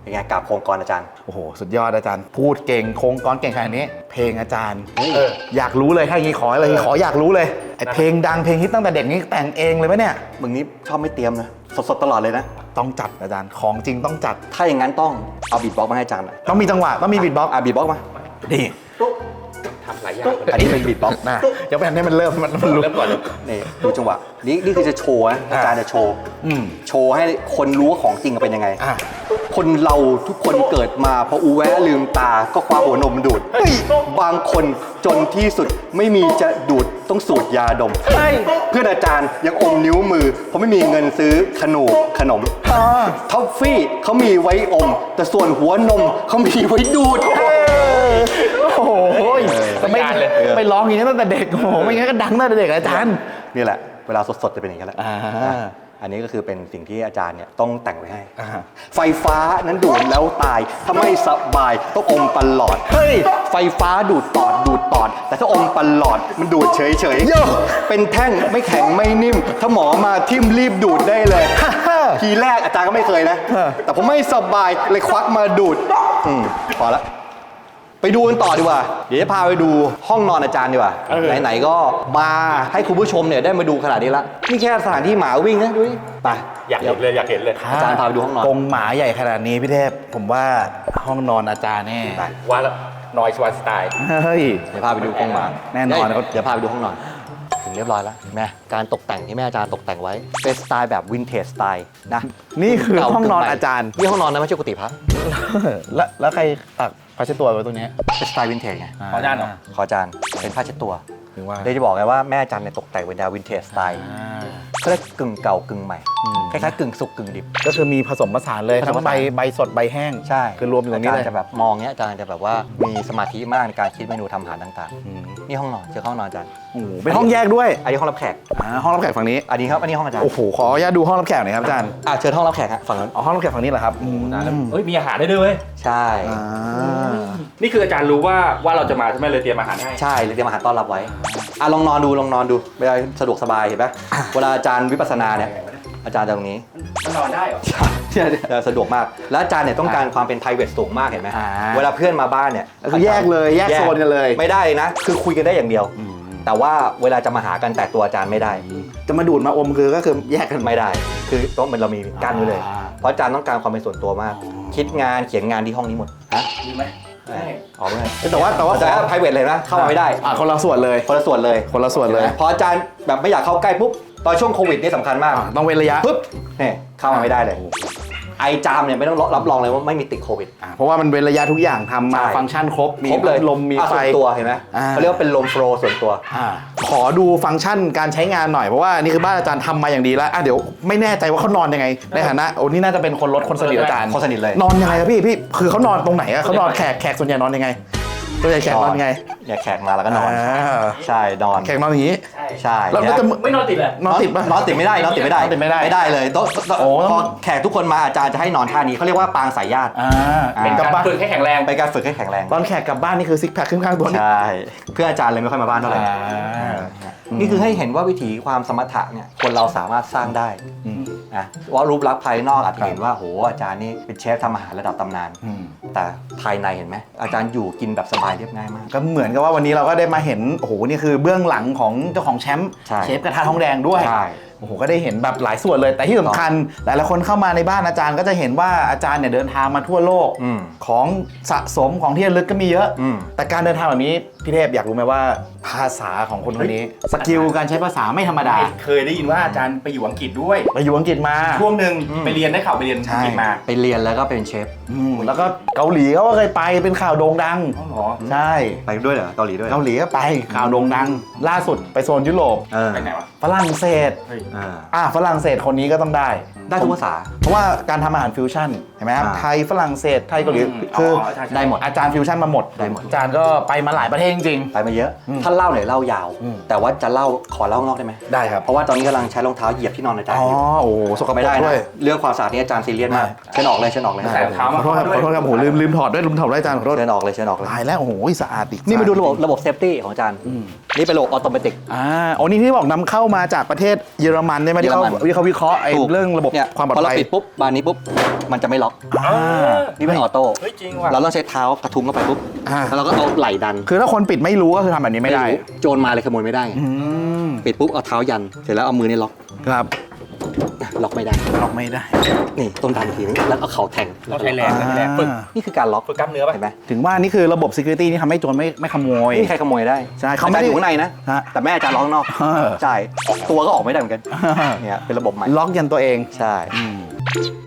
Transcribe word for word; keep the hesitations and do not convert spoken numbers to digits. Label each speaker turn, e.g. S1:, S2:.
S1: เป็นไงกับโครงกรอาจารย์
S2: โอ้โหสุดยอดอาจารย์พูดเก่งโครงกรเก่งขนาดนี้เพลงอาจารย์เอออยากรู้เลยถ้าอย่างนี้ขอเลยขออยากรู้เลยไอเพลงดังเพลงฮิตตั้งแต่เด็กนี้แต่งเองเลยไหมเนี่ย
S1: มึงนี้ชอบไม่เตรียมนะสดๆตลอดเลยนะ
S2: ต้องจัดอาจารย์ของจริงต้องจัด
S1: ถ้าอย่างนั้นต้องเอาบีทบ็อกซ์มาให้อาจารย์หน่อย
S2: ต้องมีจังหวะต้องมีบีทบ็อกซ์
S1: อ่ะบีทบ็อกซ์มา
S2: ดี
S3: ทำหลายอย่าง
S1: อันนี้เป็นบีทบ็อกซ์
S2: นะเดี๋ยวไปให้มันเริ่มมันมันรู้
S3: เริ่มก่อนเลย
S1: นี่ดูจังหวะนี่นี่คือจะโชว์นะอาจารย์จะโชว์
S2: อืม
S1: โชว์ให้คนรู้ว่าของจริงเป็นยังไง
S2: อ่ะ
S1: คนเราทุกคนเกิดมาพออูแวะลืมตาก็คว้าหัวนมดูดบางคนจนที่สุดไม่มีจะดูดต้องสูดยาดมเพื่อนอาจารย์ยังอมนิ้วมือเพราะไม่มีเงินซื้อขนมขนมท็อฟฟี่เขามีไว้อม แต่ส่วนหัวนมเขามีไว้ดูด
S2: โอ้โหไม่ไม่ร้องอย่างนี้ตั้งแต่เด็กโอ้โหไม่งั้นก็ดังตั้งแต่เด็กอาจารย์
S1: นี่แหละเวลาสดๆจะเป็นอย่างนี้แหละอันนี้ก็คือเป็นสิ่งที่อาจารย์เนี่ยต้องแต่งไว้ให้ไฟฟ้านั้นดูดแล้วตายถ้าไม่สบายต้องอมปลอดเฮ้ยไฟฟ้าดูดปอดดูดปอดแต่ถ้าอมปลอดมันดูดเฉยๆเป็นแท่งไม่แข็งไม่นิ่มถ้าหมอมาทิ่มรีบดูดได้เลยทีแรกอาจารย์ก็ไม่เคยนะแต่ผมไม่สบายเลยควักมาดูดอืมพอละไปดูกันต่อดีกว่าเดี๋ยวจะพาไปดูห้องนอนอาจารย์ดีกว่าไหนๆก็มาให้คุณผู้ชมเนี่ยได้มาดูขนาดนี้ละนี่แค่สถานที่หมาวิ่งนะดูดิไป
S3: อยากเห็นเลยอยากเห็นเลย
S1: อาจารย์พาไปดูห้องนอน
S2: กรงหมาใหญ่ขนาดนี้พี่เทพผมว่าห้องนอนอาจารย์แน่
S3: ว่าแล้วนอยสวานสไตล์
S2: เฮ้ย
S1: เดี๋ยวพาไปดูกรงหมา
S2: แน่นอน
S1: เดี๋ยวพาไปดูห้องนอนถึงเรียบร้อยแล้วแม่การตกแต่งที่แม่อาจารย์ตกแต่งไว้เป็นสไตล์แบบวินเทจสไตล์นะ
S2: นี่คือห้องนอนอาจารย์
S1: นี่ห้องนอนนะไม่ใช่กุฏิพระ
S2: แล้วแล้วใครตักผ้าเช็ดตัวไว้ตรงนี้
S1: เป็นสไตล์วินเทจไง
S3: ขออาจารย์เหรอ
S1: ขออาจารย์เป็นผ้าเช็ดตัว
S2: ถึงว่า
S1: ได้จะบอกไงว่าแม่อาจารย์เนี่ยตกแต่งเป็นแนววินเทจสไตล์ก็ได้กึ่งเก่ากึ่งใหม่คล้ายๆกึ่งสุกกึ่งดิบ
S2: ก็คือมีผสมผสานเลยทั้งใบใบสดใบแห้ง
S1: ใช่
S2: คือรวมอยู่ตรงนี้เลย
S1: อาจารย์จะแบบมองเนี้ยอาจารย์จะแบบว่ามีสมาธิมากในการคิดเมนูทำอาหารต่างๆนี่ห้องนอนเจอห้องนอนอาจารย์
S2: โอ้โหเป็นห้องแยกด้วย
S1: อันนี้ห้องรับแขก
S2: อ่าห้องรับแขกฝั่งนี้
S1: อันนี้ครับอันนี้ห้องอาจารย์
S2: โอ้โหขออนุญาตดูห้องรับแขกหน่อยครับอาจารย์
S1: อ่ะเชิญห้องรับแขกฮะฝั่งนั้น
S2: อ๋อห้องรับแขกฝั่งนี้เหรอครับ
S3: เฮ้ยมีอาหารได้ด้วยเว้ย
S1: ใช่
S3: นี่คืออาจารย์รู้ว่าว่าเราจะมาใช่ไหมเลยเตรียมอาหารให้
S1: ใช่เลยเตรียมอาหารต้อนรับไว้อ่ะลองนอนดูลองนอนดูเวลาสะดวกสบายเห็นไหมเวลาอาจารย์วิปัสสนาเนี่ยอาจารย์ตรงนี้
S3: มันนอนได้เหรอ
S1: ใช่จะสะดวกมากแล้วอาจารย์เนี่ยต้องการความเป็น private สูงมากเห็นไหมเวลาเพื่อนมาบ้านเนี่ย
S2: คือแยกเลยแยกโซนกันเลย
S1: ไม่ได้นะคือคุยกันได้อย่างเดียวแต่ว่าเวลาจะมาหากันแต่ตัวอาจารย์ไม่ได้
S2: จะมาดูดมาอมคือก็คือแยกกัน
S1: ไม่ได้คือต้องเป็นเรามีกั้นไว้เลยเพราะอาจารย์ต้องการความเป็นส่วนตัวมากคิดงานเขียนงานที่ห้องนี้หมด
S3: ฮะดีไหม
S1: ใช่ออกไม่ได้
S2: แต่ว่าแต่ว่า
S1: แต่ private เลยนะเข้ามาไม่ได้
S2: อ่ะคนละส่วนเลย
S1: คนละส่วนเลย
S2: คนละส่วนเลย
S1: พออาจารย์แบบไม่อยากเข้าใกล้ปุ๊บตอนช่วงโควิดนี่สำคัญมาก
S2: ต้องเว้นระยะ
S1: ปุ๊บเนี่ยเข้ามาไม่ได้เลยไอจามเนี่ยไม่ต้องรับรองเลยว่าไม่มีติดโควิด
S2: เพราะว่ามันเว้นระยะทุกอย่างทำมาฟังก์ชันครบ
S1: มีเลย
S2: ลมมีไฟ
S1: ตัวเห็นไหมเขาเรียกว่าเป็นลมโฟลว์ส่วนตัว
S2: ขอดูฟังก์ชันการใช้งานหน่อยเพราะว่านี่คือบ้านอาจารย์ทำมาอย่างดีแล้วอ่ะเดี๋ยวไม่แน่ใจว่าเขานอนยังไงในฐานะโอ้นี่น่าจะเป็นคนรถคนสนิทอาจารย์
S1: คนสนิทเลย
S2: นอนยังไงครับพี่พี่คือเขานอนตรงไหนอะเขานอนแขกแขกส่วนใหญ่นอนยังไงตัวใหญ่แขกนอนยังไง
S1: เนี่ยแขกมาแล้วก็นอนใช่นอน
S2: แขกนอนอย่างนี้
S1: ใช่
S2: แล้วจะ
S3: ไม่นอนติดเลย
S2: นอนติดป่ะ
S1: นอนติดไม่ได้นอนติดไม่ได้
S2: ติดไม่ได้
S1: ไม่ได้เลยโต๊ะพอแขกทุกคนมาอาจารย์จะให้นอนท่านี้เขาเรียกว่าปางสายญาติ
S3: เป็นการฝึกให้แข็งแรง
S1: เป็นการฝึกให้แข็งแรง
S2: ตอนแขกกลับบ้านนี่คือซิกแพคขึ้นข้างตัว
S1: ใช่เพื่ออาจารย์เลยไม่ค่อยมาบ้านเท่าไหร่นี่คือให้เห็นว่าวิถีความสมถะเนี่ยคนเราสามารถสร้างได้นะว่ารูปลักษณ์ภายนอกอาจจะเห็นว่าโหอาจารย์นี่เป็นเชฟทำอาหารระดับตำนานแต่ภายในเห็นไหมอาจารย์อยู่กินแบบสบายเรียบง่ายมาก
S2: ก็เหมือนกับว่าวันนี้เราก็ได้มาเห็นโอ้โหนี่คือเบื้องหลังของเจ้าของแชมป์เชฟกระทะทองแดงด้วยโอ้โหก็ได้เห็นแบบหลายส่วนเลยแต่ที่สำคัญหลายๆคนเข้ามาในบ้านอาจารย์ก็จะเห็นว่าอาจารย์เนี่ยเดินทางมาทั่วโลกของสะสมของที่ระลึกก็มีเยอะแต่การเดินทางแบบนี้พี่เทพอยากรู้ไหมว่าภาษาของคนคนนี้สกิลการใช้ภาษาไม่ธรรมดา
S3: เคยได้ยินว่าอาจารย์ไปอยู่อังกฤษด้วย
S2: ไปอยู่อังกฤษมา
S3: ช่วงหนึ่งไปเรียนได้ข่าวไปเรียนอังกฤษมา
S1: ไปเรียนแล้วก็เป็นเชฟ
S2: แล้วก็เกาหลีเขาก็เคยไปเป็นข่าวโด่งดังใช่
S1: ไปด้วยเหรอเกาหลีด้วย
S2: เกาหลีก็ไปข่าวโด่งดังล่าสุดไปโซนยุโรป
S3: ไปไหนวะ
S2: ฝรั่งเศสอ่าฝรั่งเศสคนนี้ก็ต้องได้
S1: ได้ทุกภาษา
S2: เพราะว่าการทำอาหารฟิวชั่นเห็นไหมครับไทยฝรั่งเศสไทยเกาหลีคือ
S1: ได้หมด
S2: อาจารย์ฟิวชั่นมาหมด
S1: ได้หมด
S2: อาจารย์ก็ไปมาหลายประเทศจริง
S1: ๆไปมาเยอะท่านเล่าหน่อยเล่ายาวแต่ว่าจะเล่าขอเล่านอกได้ไหม
S2: ได้ครับ
S1: เพราะว่าตอนนี้กำลังใช้รองเท้าเหยียบที่นอนอาจารย์อยู่
S2: อ๋อโอ้สกปรก
S1: ไม่ได้นะเรื่องความสะอาดนี่อาจารย์ซีเรียสมากเชิญออกเลยเชิญออกเลย
S2: ขอโทษครับขอโทษครับโอ้โหลืมลืมถอดด้วยลืมถอดด้วยอาจารย์ขอโทษ
S1: เชิญออกเลยเชิญออกเลย
S2: ตายแล้วโอ้โหสะอาดอีก
S1: นี่มาดูระบบระบบเซฟตี้ของอาจารย์นี่เป็นระบบออโตเมติก
S2: อ่าโอ้นี่ที่บอกนำเข้ามาจากประเทศเยอรอรมันใช่ไหมที่เขา
S1: เยอรมัน
S2: ที่เขาวิเคราะห์ไอ้
S1: ถูก
S2: เรื่องระบบ
S1: เนี่ย
S2: ความปลอด
S1: พอเรา
S2: ภัย
S1: ปิดปุ๊บบานนี้ปุ๊บมันจะไม่ล็อก
S3: อ่า
S1: นี่เป็นออโต้
S3: เฮ้ยจริงว่ะ
S1: เราต้องใช้เท้ากระทุ้งเข้าไปปุ๊บ
S2: อ่า
S1: แล้วเราก็เอาไหล่ดัน
S2: คือถ้าคนปิดไม่รู้ก็คือทำแบบนี้ไม่ได้
S1: รู้โจรมาเลยขโมยไม่ได้ไง
S2: อืม
S1: ปิดปุ๊บเอาเท้ายันเสร็จแล้วเอามือนี่ล็อก
S2: ครับ
S1: ล็อกไม่ได้
S2: ล็อกไม่ได้
S1: นี่ต้องดันทีนึงแล้วเอาเข่าแทง
S3: ต้องใช้แรงต้องใช้แรงฝึก
S1: นี่คือการล็อก
S3: ฝึกกล้ามเนื้อป่ะ
S1: เห็นไหม
S2: ถึงว่านี่คือระบบ security นี่ทำให้โจรไม่ไม่ขโมย
S1: ไม่มีใครขโมยได้
S2: ใช่เขาไม่
S1: อาจาร
S2: ได้
S1: ย์อยู่ข้างในนะ
S2: ฮะ
S1: แต่แม่อาจารย์ล็อกข้างนอก
S2: เออ
S1: ใช่ตัวก็ออกไม่ได้เหมือนกันเนี่ยเป็นระบบใหม่
S2: ล็อกยันตัวเอง
S1: ใช่
S2: อืม